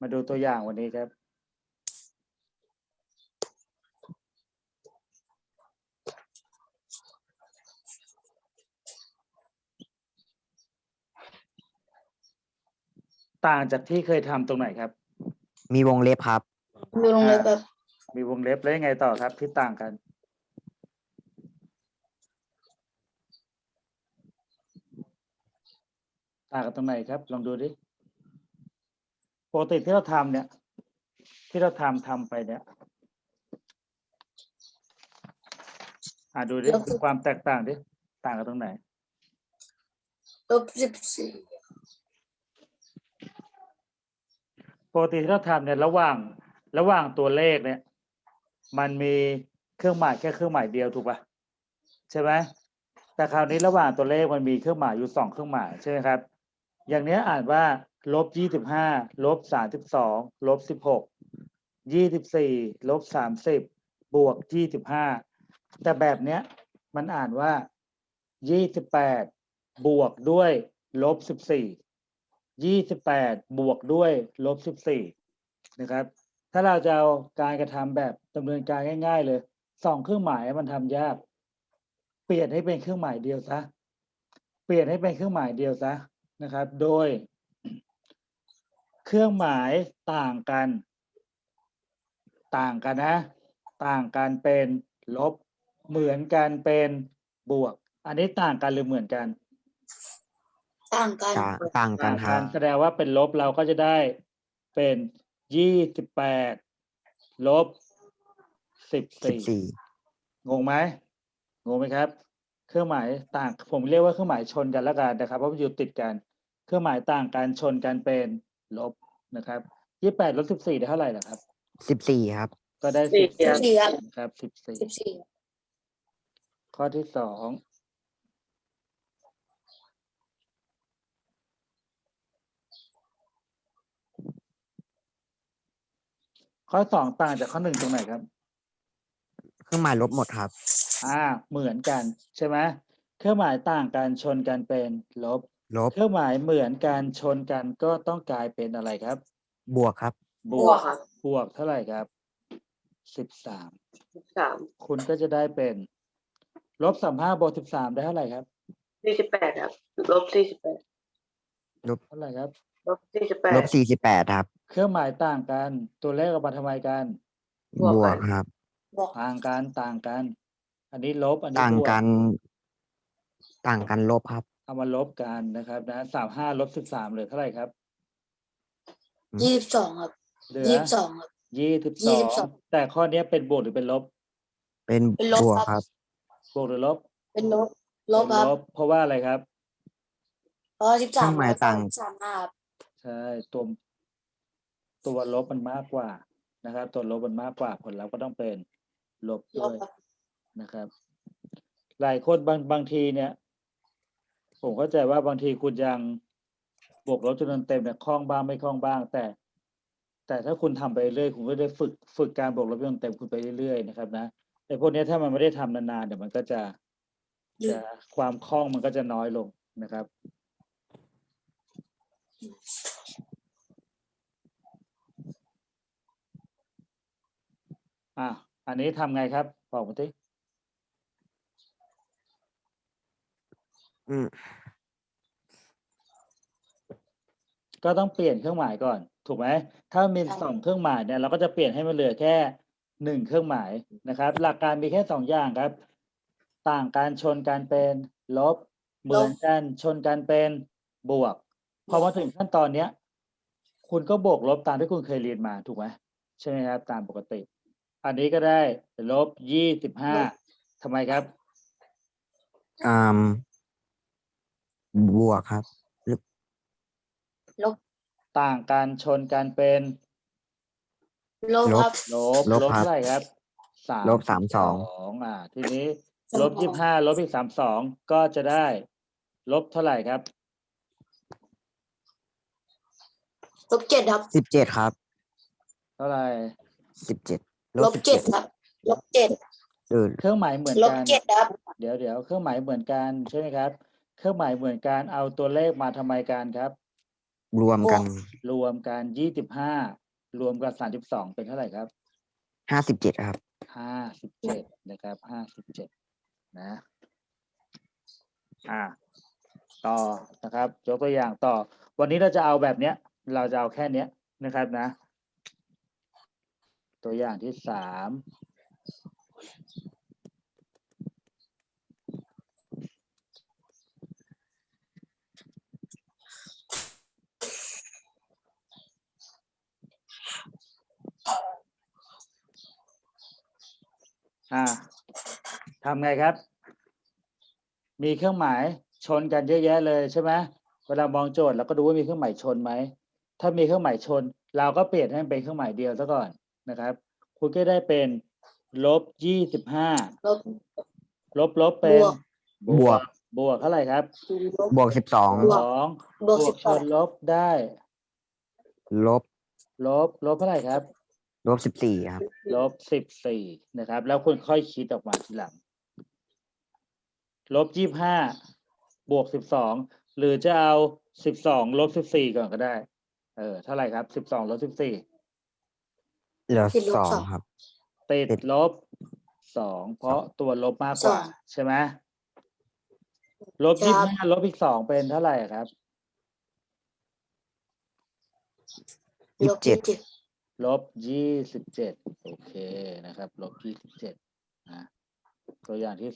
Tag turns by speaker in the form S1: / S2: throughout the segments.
S1: มาดูตัวอย่างวันนี้ครับต่างจากที่เคยทำตรงไหนครับ
S2: มีวงเล็บครับ
S3: มีวงเล็บแบบ
S1: มีวงเล็บแล้วยังไงต่อครับที่ต่างกันต่างกันตรงไหนครับลองดูดิปกติที่เราทำเนี่ยที่เราทำไปเนี่ยดูดิดูความแตกต่างดิต่างกันตรงไหน
S3: -14
S1: ปกติที่เราทำเนี่ยระหว่างตัวเลขเนี่ยมันมีเครื่องหมายแค่เครื่องหมายเดียวถูกป่ะใช่ไหมแต่คราวนี้ระหว่างตัวเลขมันมีเครื่องหมายอยู่2เครื่องหมายใช่ไหมครับอย่างนี้อ่านว่า-25 -32 -16 24 -30 บวก25แต่แบบเนี้ยมันอ่านว่า28บวกด้วย-14 28บวกด้วย-14นะครับถ้าเราจะเอาการกระทำแบบดำเนินการง่ายๆเลย2เครื่องหมายมันทำยากเปลี่ยนให้เป็นเครื่องหมายเดียวซะนะครับโดยเครื่องหมายต่างกันนะต่างกันเป็นลบเหมือนกันเป็นบวกอันนี้ต่างกันหรือเหมือนกัน
S3: ต่างกัน
S2: ต่างกันครับ
S1: แสดงว่าเป็นลบเราก็จะได้เป็น28ลบ14งงไหมครับเครื่องหมายต่างผมเรียกว่าเครื่องหมายชนกันแล้วกันนะครับเพราะมันอยู่ติดกันเครื่องหมายต่างกันชนกันเป็นลบนะครับ28ลบ14ได้เท่าไหร่ล่ะครับ
S2: 14ครับ
S1: ก็ได้
S3: 14 ครับ
S1: นะครับ14
S3: 14
S1: ข้อที่2ข้อ2ต่างจากข้อ1ตรงไหนครับ
S2: เครื่องหมายลบหมดครับ
S1: เหมือนกันใช่ไหมเครื่องหมายต่างกันชนกันเป็นลบ
S2: ลบ
S1: เครื่องหมายเหมือนกันชนกันก็ต้องกลายเป็นอะไรครับ
S2: บวกครับ
S1: บวกเท่าไหร่ครับ13คุณก็จะได้เป็น-35บวก13ได้เท่าไหร่ครับ
S4: 48ครับ-48
S1: เท่าไหร่ครับ
S2: ลบ
S4: -48
S2: 48ครับ
S1: เครื่องหมายต่างกันตัวเลขออกมาทำไมกัน
S2: บวกครับ
S1: ต่างกันอันนี้ลบอันนี้
S2: ต่าง
S1: บวก
S2: กันลบครับ
S1: เอามาลบกันนะครับนะ35ลบ13เหลือเท่าไหร่ครับ
S3: 22ครับ
S1: เหลือ
S3: 22ครับ
S1: 22แต่ข้อนี้เป็นบวกหรือเป็นลบ
S2: เป็น
S3: เป็นล
S2: บบ วก
S3: ครับ
S2: ครับ
S1: บวกหรือลบ
S3: เป็นลบ
S1: เป็น
S3: ครับ
S1: ลบเพราะว่าอะไรครับ
S3: เพราะ
S2: เครื่องหมายต่าง
S3: 13ครับ
S1: ใช่ตัวลบมันมากกว่านะครับตัวลบมันมากกว่าผลลัพธ์ก็ต้องเป็นลบ
S3: ล
S1: ด้
S3: บ
S1: วย
S3: ครับ
S1: นะครับ หลายคนบางทีเนี่ยผมเข้าใจว่าบางทีคุณยังบวกลบจำนวนเต็มเนี่ยคล่องบ้างไม่คล่องบ้าง แต่ถ้าคุณทำไปเรื่อยคุณก็ได้ฝึกการบวกลบจำนวนเต็มคุณไปเรื่อยๆนะครับนะแต่พวกนี้ถ้ามันไม่ได้ทำนานๆเดี๋ยวมันก็จะความคล่องมันก็จะน้อยลงนะครับอันนี้ทำไงครับบอกมาสิก็ต้องเปลี่ยนเครื่องหมายก่อนถูกไหมถ้ามี2เครื่องหมายเนี่ยเราก็จะเปลี่ยนให้มันเหลือแค่1เครื่องหมายนะครับ หลักการมีแค่2อย่างครับ ต่างกันชนกันเป็นลบเหมือนกันชนกันเป็นบวกพอมาถึงขั้นตอนเนี้ยคุณก็บวกลบตามที่คุณเคยเรียนมาถูกไหมใช่ไหมครับตามปกติ อันนี้ก็ได้-25ทำไมครับ
S2: บวกครับ
S3: ลบ
S1: ต่างกันชนกันเป็น
S3: ลบครับ
S1: ลบเท่าไหร่ครับ
S2: ลบ
S1: ทีนี้-25ลบอีก32ก็จะได้ลบเท่าไหร่ครับ
S3: ลบ 7ครับ
S2: 17ครับ
S1: เท่าไหร่
S2: 17
S3: ลบ 7ครับลบ 7
S1: เครื่องหมายเหมือน
S3: ลบ
S1: กัน
S3: 7ครับ
S1: เดี๋ยวเครื่องหมายเหมือนกันใช่ไหมครับเครื่องหมายเหมือนกันเอาตัวเลขมาทำไมกันครับ
S2: รวมกัน
S1: รวมกัน25รวมกัน32เป็นเท่าไหร่ครับ
S2: 57ครับ
S1: 57นะครับ57นะต่อนะครับยกตัวอย่างต่อ วันนี้เราจะเอาแบบเนี้ย เราจะเอาแค่เนี้ยนะครับนะ ตัวอย่างที่3ทำไงครับ มีเครื่องหมายชนกันเยอะแยะเลยใช่ไหมเวลามองโจทย์เราก็ดูว่ามีเครื่องหมายชนไหม ถ้ามีเครื่องหมายชน เราก็เปลี่ยนให้มันเป็นเครื่องหมายเดียวซะก่อนนะครับ คุณก็ได้เป็น-25 ลบเป็น
S2: บวก
S1: บวกเท่าไหร่ครับ
S2: บวก 12
S3: บวก
S1: บวกชนลบได้
S2: ลบ
S1: ลบเท่าไหร่ครับ
S2: ลบ 14 ครับ
S1: -14นะครับ แล้วคุณค่อยคิดออกมาทีหลัง-25บวก12หรือจะเอา12ลบ14ก่อนก็ได้เท่าไหร่ครับ12ลบ14
S2: เหลือ
S3: ติดลบ
S2: 2 ครับ
S1: ติด
S2: ติด
S1: ลบ2เพราะตัวลบมากกว่า ใช่ไหมลบ25ลบอีก2เป็นเท่าไหร่ครับ
S2: 27
S1: ลบ27โอเคนะครับลบ27นะตัวอย่างที่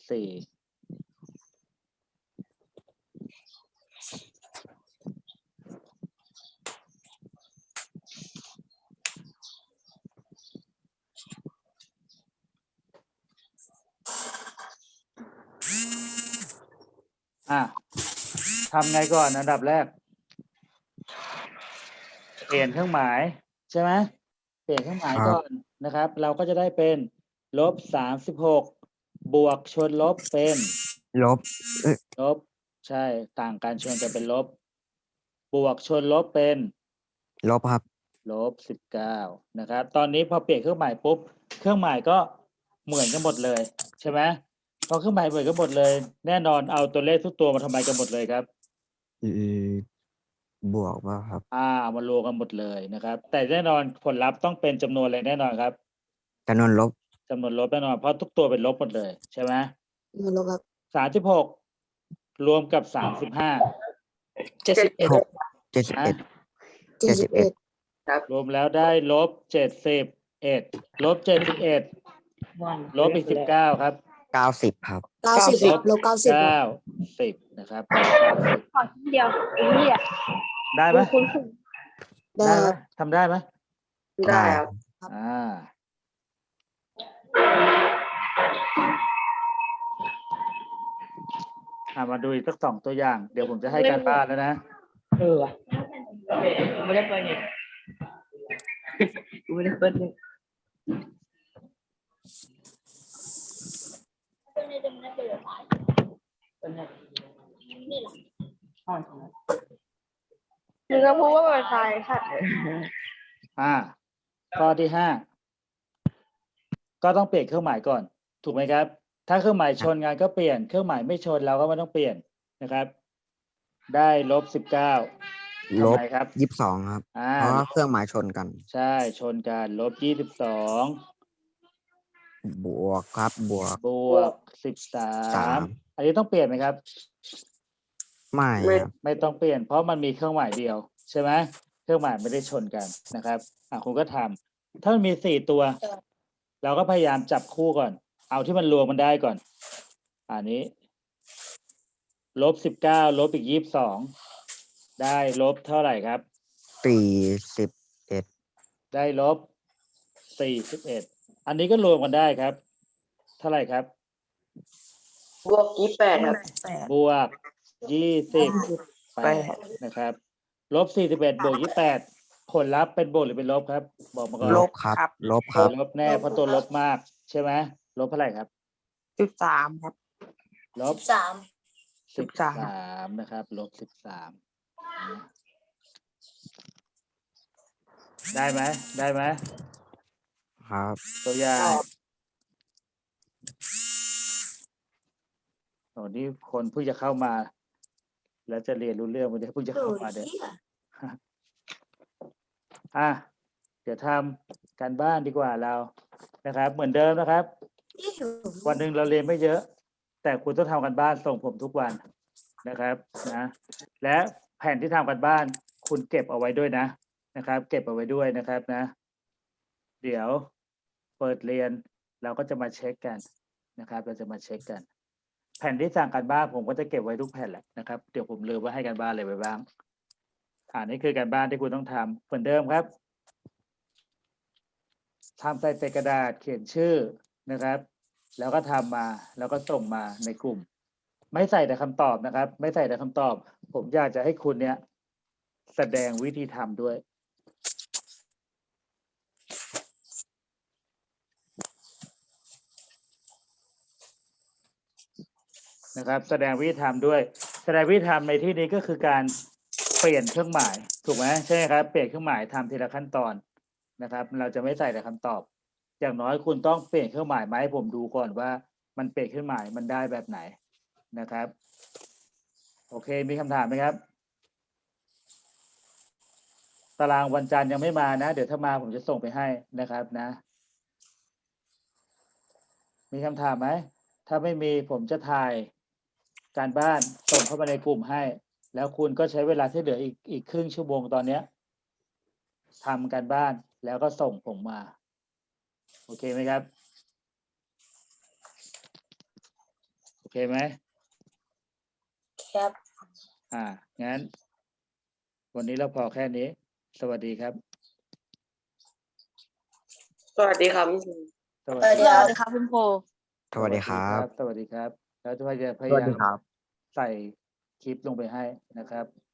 S1: 4ทำไงก่อนอันดับแรก เปลี่ยนเครื่องหมายใช่ไหมเปลี่ยนเครื่องหมาย
S2: ครับ
S1: ก่อนนะครับ เราก็จะได้เป็น-36บวกชนลบเป็น
S2: ลบ
S1: ลบใช่ต่างกันชนกันเป็นลบบวกชนลบเป็น
S2: ลบครับ
S1: -19นะครับ ตอนนี้พอเปลี่ยนเครื่องหมายปุ๊บเครื่องหมายก็เหมือนกันหมดเลยใช่ไหมพอเครื่องหมายเหมือนกันหมดเลย แน่นอนเอาตัวเลขทุกตัวมาทำไมกันหมดเลยครับ
S2: บวกว่าครับ
S1: มารวมกันหมดเลยนะครับ แต่แน่นอนผลลัพธ์ต้องเป็นจำนวนอะไรแน่นอนครับ
S2: จำนวนลบ
S1: จำนวนลบแน่นอนเพราะทุกตัวเป็นลบหมดเลยใช่ไหม
S3: ลบครับ
S1: 36รวมกับ35
S3: 71
S2: 71
S1: รวมแล้วได้-71ลบ71ลบอีก19ครับ
S2: 90 ครับ
S3: 90ลบ90
S1: 90นะครับ
S4: ขอชิ้นเดียวไอ้เหี้ย
S1: ได้ไหม
S4: คุณ
S1: ได้ไหมทำได้ไหม
S2: ได้ครับ
S1: มาดูอีกสัก2ตัวอย่าง เดี๋ยวผมจะให้การบ้านแล้วนะ
S4: ว่ะไม่ได้เปิดเนี่ยไม่ได้เปิดเนี่ยมึงก็พูดว่าเปิดไฟสัตว์
S1: ข้อที่5ก็ต้องเปลี่ยนเครื่องหมายก่อน ถูกไหมครับ ถ้าเครื่องหมายชนกันก็เปลี่ยนเครื่องหมายไม่ชนเราก็ไม่ต้องเปลี่ยนนะครับ ได้-19
S2: ลบ
S1: ทำไมครับ
S2: 22 ครับ เพราะว่าเครื่องหมายชนกัน
S1: ใช่ชนกัน-22
S2: บวกครับ บวก
S1: 13อันนี้ต้องเปลี่ยนไหมครับ
S2: ไม่ครับ
S1: ไม่ต้องเปลี่ยนเพราะมันมีเครื่องหมายเดียวใช่ไหมเครื่องหมายไม่ได้ชนกันนะครับคุณก็ทำถ้ามันมี4ตัว เราก็พยายามจับคู่ก่อน เอาที่มันรวมมันได้ก่อน อันนี้-19ลบอีก22ได้ลบเท่าไหร่ครับ
S2: 41
S1: ได้-41อันนี้ก็รวมกันได้ครับ เท่าไหร่ครับ
S4: บวก28ครับ
S1: บวก28นะครับ-41บวก28ผลลัพธ์เป็นบวกหรือเป็นลบครับ บอกมาก่อน
S2: ลบครับ ลบครับ
S1: ลบแน่เพราะตัวลบมากใช่ไหมลบเท่าไหร่ครับ
S4: 13ครับ
S1: ลบ 13นะครับ-13ได้ไหมได้ไหม
S2: ครับ
S1: ตัวอย่างนี่คนเพิ่งจะเข้ามา แล้วจะเรียนรู้เรื่องมันจะเพิ่งจะเข้ามาเนี่ยเดี๋ยวทำการบ้านดีกว่าเรานะครับ เหมือนเดิมนะครับ วันหนึ่งเราเรียนไม่เยอะ แต่คุณต้องทำกันบ้านส่งผมทุกวันนะครับนะและแผ่นที่ทำกันบ้านคุณเก็บเอาไว้ด้วยนะครับ เก็บเอาไว้ด้วยนะครับนะ เดี๋ยวเปิดเรียนเราก็จะมาเช็คกันนะครับ เราจะมาเช็คกัน แผ่นที่สั่งกันบ้านผมก็จะเก็บไว้ทุกแผ่นแหละนะครับ เดี๋ยวผมลืมว่าให้กันบ้านอะไรไว้บ้างนี่คือการบ้านที่คุณต้องทำเหมือนเดิมครับทำใส่กระดาษเขียนชื่อนะครับ แล้วก็ทำมาแล้วก็ส่งมาในกลุ่ม ไม่ใส่แต่คำตอบนะครับ ไม่ใส่แต่คำตอบ ผมอยากจะให้คุณเนี่ยแสดงวิธีทำด้วยนะครับ แสดงวิธีทำด้วย แสดงวิธีทำในที่นี้ก็คือการเปลี่ยนเครื่องหมายถูกไหมใช่ไหมครับเปลี่ยนเครื่องหมายทำทีละขั้นตอนนะครับ เราจะไม่ใส่แต่คำตอบ อย่างน้อยคุณต้องเปลี่ยนเครื่องหมายมาให้ผมดูก่อนว่ามันเปลี่ยนเครื่องหมายมันได้แบบไหนนะครับ โอเคมีคำถามไหมครับตารางวันจันทร์ยังไม่มานะเดี๋ยวถ้ามาผมจะส่งไปให้นะครับนะ มีคำถามไหมถ้าไม่มีผมจะถ่ายการบ้านส่งเข้ามาในกลุ่มให้ แล้วคุณก็ใช้เวลาที่เหลืออีกครึ่งชั่วโมงตอนเนี้ยทำการบ้านแล้วก็ส่งผมมาโอเคไหมครับโอเคไหม
S3: ครับ
S1: งั้นวันนี้เราพอแค่นี้ สวัสดีครับ
S4: สวัสดีครับ
S1: สวัส
S3: สวัส
S1: ดี
S3: ดี
S1: ครับ
S3: ครับคุณครู
S2: สวัสดีครับ
S1: สวัสดีครับแล้วจะพยายาม
S2: สวัสดีครับ
S1: ใส่คลิปลงไปให้นะครับ